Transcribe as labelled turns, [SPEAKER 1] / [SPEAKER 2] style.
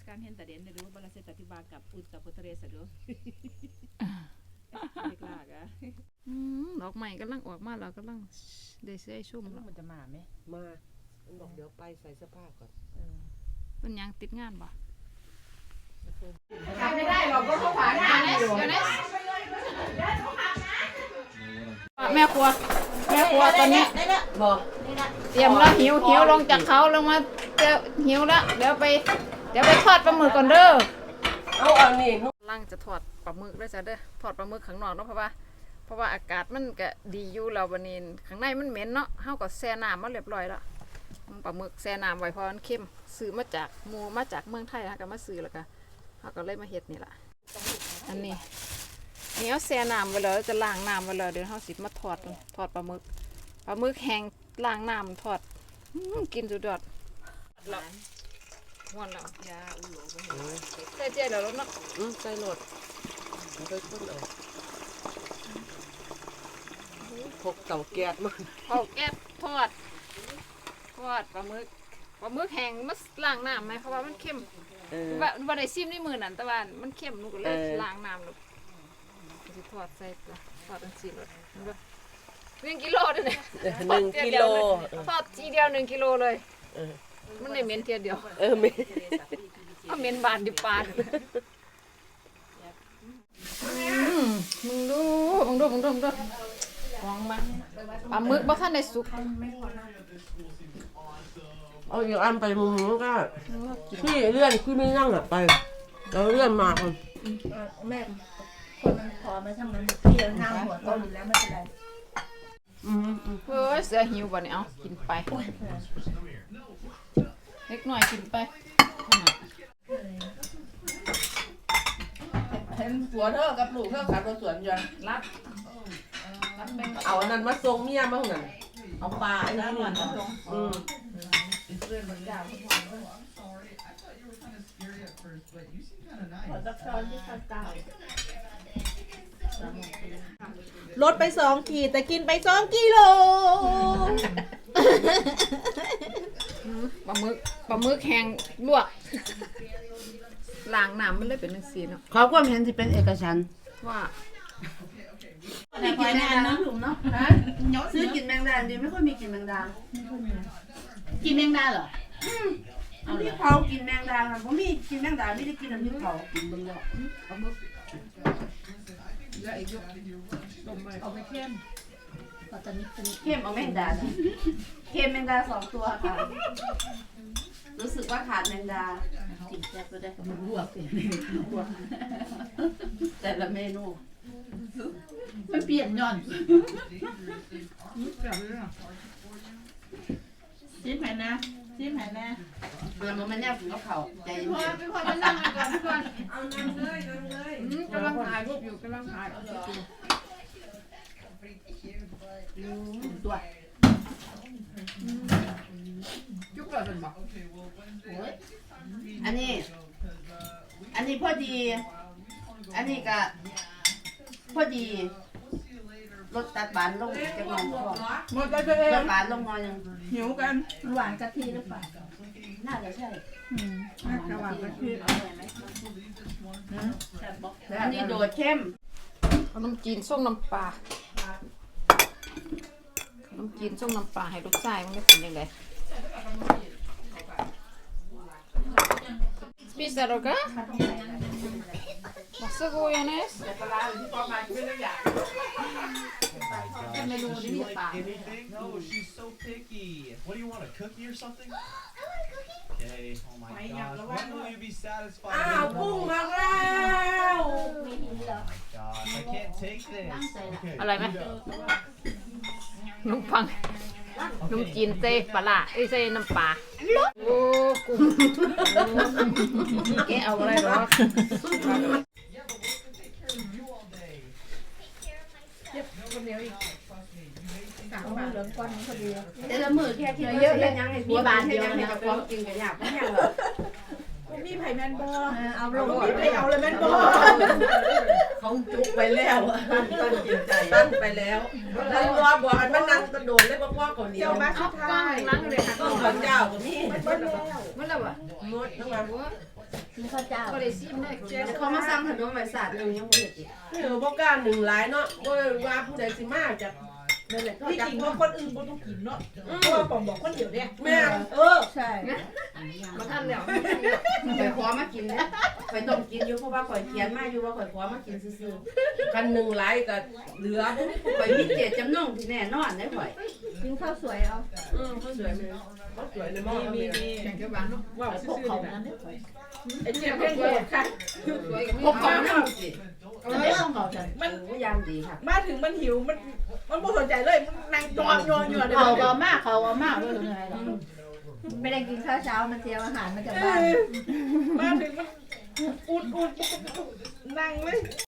[SPEAKER 1] การเห็นแต่เด่นหรือบรเสตติบากับอุตตพุทธเรศดูเด็กลากอะ
[SPEAKER 2] ดอกใหม่กำลังออกมาแล้วกำลังได้เสื้อชุ่มแล้ว
[SPEAKER 1] มันจะมาไหม
[SPEAKER 3] มามันบอกเดี๋ยวไปใส่เสื้อผ้าก่อน
[SPEAKER 2] เป็นยังติดงานบ่
[SPEAKER 1] ทำไม่ได้หรอกก็เขาผ่านงานอยู่
[SPEAKER 2] แม่ครัวตอนนี้
[SPEAKER 3] บอก
[SPEAKER 2] เตรียมแล้วหิวลงจากเขาลงมาหิวแล้วเดี๋ยวไปทอดปลาหมึกก่อนเด้อ
[SPEAKER 3] เอาอันนี้
[SPEAKER 2] ลังจะทอดปลาหมึกด้วยจ้ะเด้อทอดปลาหมึกข้างนอกเนาะเพราะว่าอากาศมันก็ดีอยู่แล้ววันนี้ข้างในมันเหม็นเนาะเฮาก็แช่น้ำมาเรียบร้อยแล้วปลาหมึกแช่น้ำไว้เพราะมันเค็มซื้อมาจากเมืองไทยฮะก็มาซื้อแล้วก็เฮาก็เลยมาเฮ็ดนี่ล่ะอันนี้เอาแช่น้ำไว้แล้วจะล้างน้ำไว้แล้วเดี๋ยวเฮาสิมาทอดปลาหมึกแห้งล้างน้ำทอดกินสุดยอดแล้วม่วนแล้วยาอุ่นหลงใส่เจี๊ยบแล้วเนาะ
[SPEAKER 3] ใส่โหลดไปคนเอาพกเต่าแก๊สมา
[SPEAKER 2] แก๊สทอดปลาหมึกแห้งมาล้างน้ำไหมเพราะว่ามันเค็มว่าได้ซิมในมือนั่นแต่ว่ามันเค็มหนูก็เลยล้างน้ำลูกจะทอดใส่ทอดตั้ง4 รส1 กิโลด้วยเนี่ย
[SPEAKER 3] 1 กิโล
[SPEAKER 2] ทอดทีเดียว1 กิโลเลยมันได้เหม็นเทียเดียว
[SPEAKER 3] เหม็น
[SPEAKER 2] บานดิปลามึงดูของมันปลาหมึกบ่ทันได้สุก
[SPEAKER 3] เอาอย่างอันไปมุมนู้นก็พี่เลื่อนพี่ไม่นั่งไปเราเลื่อนมาคน
[SPEAKER 1] แม่คนมันพอมาทำมันพี่เรานั่งหัวโตอยู่แล้วไม่เป็นไร
[SPEAKER 2] เสือหิวบ่เนี่ยเอากินไปเล็กหน่อยกินไป
[SPEAKER 1] เห็นผัวเธอกับลูกเธอขับรถสวนอยู่รับ
[SPEAKER 3] เอาอันนั้นมาส่งเมียมาหั่น
[SPEAKER 1] เอาปลาไอ้นั่นมาส่งเรื่องมันยาวลดไป2 ขีดแต่กินไป2 กิโล
[SPEAKER 2] ปลาหมึกแห้งลวกล้างน้ำมันเลยเป็นจังซี่เนาะ
[SPEAKER 3] เขาความเห็นที่เป็นเอกฉันท์
[SPEAKER 2] ว่า
[SPEAKER 1] ไม่กินแมงดาถุงเนาะซื้อกินแมงดาดีไม่ค่อยมีกินแมงดากินแมงดาเหรอพี่เผากินแมงดาค่ะผมมีกินแมงดาไม่ได้กินน้ำพริกเผากินบนเรือเอามือเอาไปเข้มตอนนี้เข้มเอาแมงดาเข้มแมงดา2 ตัวค่ะรู้สึกว่าขาดแมงดากินแซ่บก็ได้มันลวกแต่ละเมนูไม่เปลี่ยนย่อนซิมแผ่นนะมันแนบถึงกับเขาใจเย็นพี่พอจะนั่งก่อนพี่พอเอานั่งเลย
[SPEAKER 2] กำลังถ่ายรูปอยู่กำลังถ่าย
[SPEAKER 1] ตัว
[SPEAKER 2] จุกเลยเป็นบอก
[SPEAKER 1] อันนี้พอดีอันนี้ก็พอดีรสตัดหวานลงจะงอน
[SPEAKER 2] หมดไปเลย
[SPEAKER 1] รสหวานลงงอนยัง
[SPEAKER 2] หิวกัน
[SPEAKER 1] หวานกะทิหรือเปล่าน่าจะใช่
[SPEAKER 2] น่าจะหวานกะทิ
[SPEAKER 1] อันนี้โดดเข้ม
[SPEAKER 2] ขนมจีนส้มน้ำปลาให้ลูกชายมันได้เป็นยังไงSpisaroga? Masuk Yanes?
[SPEAKER 4] No, she's so picky. What do you want, a cookie or something? Okay, oh my gosh. When will you be satisfied?
[SPEAKER 3] Oh my
[SPEAKER 4] gosh, I can't take this. Okay.
[SPEAKER 2] อะไรไหมนุ่มฟังนุ่มจีนเซ่ปลาเซ่น้ำปลาโอ้กุ้งแกเอาอะไรหรอ
[SPEAKER 1] แต่ละมือแค่คิดว่าเยอะยังให้มีบานเดียวให้กับความกินกันยากไม่ยากหรอก
[SPEAKER 5] มีไผ่แมนบอ
[SPEAKER 1] เอาลง
[SPEAKER 5] มีไผ่เอาเลยแมนบอ
[SPEAKER 3] เขาจุกไปแล้วตั้งจิตใจตั้งไปแล้วแล้วรอบอกมันนั่งกระโดดเลยบอกว่าก่อนนี้
[SPEAKER 5] เจ้ามาสุดท้าย
[SPEAKER 2] ล้างเลยค่ะ
[SPEAKER 3] ต้องขอนเจ้ากับนี่
[SPEAKER 5] มันแล้ว
[SPEAKER 2] มันแล้วอ่ะ
[SPEAKER 3] งดทั้งวัน
[SPEAKER 1] กินข้าวเจ้า
[SPEAKER 2] ก็ได้ซิมได้เจ๊
[SPEAKER 1] เขามาสั่งขนมใบสาดหนึ่งยังไม่เห็นอีก
[SPEAKER 3] บ่กล้าหนึ่งหลายเนาะบ่ว่าผู้ใดสิมาจาก
[SPEAKER 1] นั่นแหละก็
[SPEAKER 5] ที่
[SPEAKER 1] จั
[SPEAKER 5] จ
[SPEAKER 1] บ
[SPEAKER 5] ริงว่าคนอื่นบ่ต้องกินเนาะเพราะว่าผมบอกคนเดียวเนี่ย
[SPEAKER 3] แม่
[SPEAKER 1] ใช่
[SPEAKER 2] มาทันแล้ว
[SPEAKER 1] ข่อยขอมากินนะข่อยต้องกินอยู่เพราะว่าข่อยเขียนมาอยู่ว่าข่อยขอมากินซื่อ
[SPEAKER 3] กันหนึ่งหลายก็เหลือบ่
[SPEAKER 1] ๆข่อยมีเจตจำนงที่แน่นอนได้ข่อย
[SPEAKER 6] กินข้าวสวยเอา
[SPEAKER 3] เขาสวยไหมเขาสวยในหม้อมี
[SPEAKER 2] แข่งกับบ้านเนาะ
[SPEAKER 5] ว่า
[SPEAKER 6] พ
[SPEAKER 5] ซื่
[SPEAKER 6] วก
[SPEAKER 5] อ
[SPEAKER 6] เขา
[SPEAKER 5] ๆนะ
[SPEAKER 6] นั้นเนี่ยสวย
[SPEAKER 5] ไอ้เจี๊ยบเพ่งโหดค่ะ
[SPEAKER 2] สวยกับ
[SPEAKER 1] พวกเขานั่งสิ
[SPEAKER 6] จะไม่ต้องเขาฉัน
[SPEAKER 5] มัน
[SPEAKER 1] พยายามดีค่ะ
[SPEAKER 5] มาถึงมันหิวมันไม่สนใจเลยมันนั่งจอมยอนอยู่เดี๋ยว
[SPEAKER 6] เขาก็มากเขาก็มากเลยไงหรอไม่ได้กินข้าวเช้ามันเตรียมอาหารมาจากบ้าน
[SPEAKER 5] มาถึงมันอุดนั่งเลย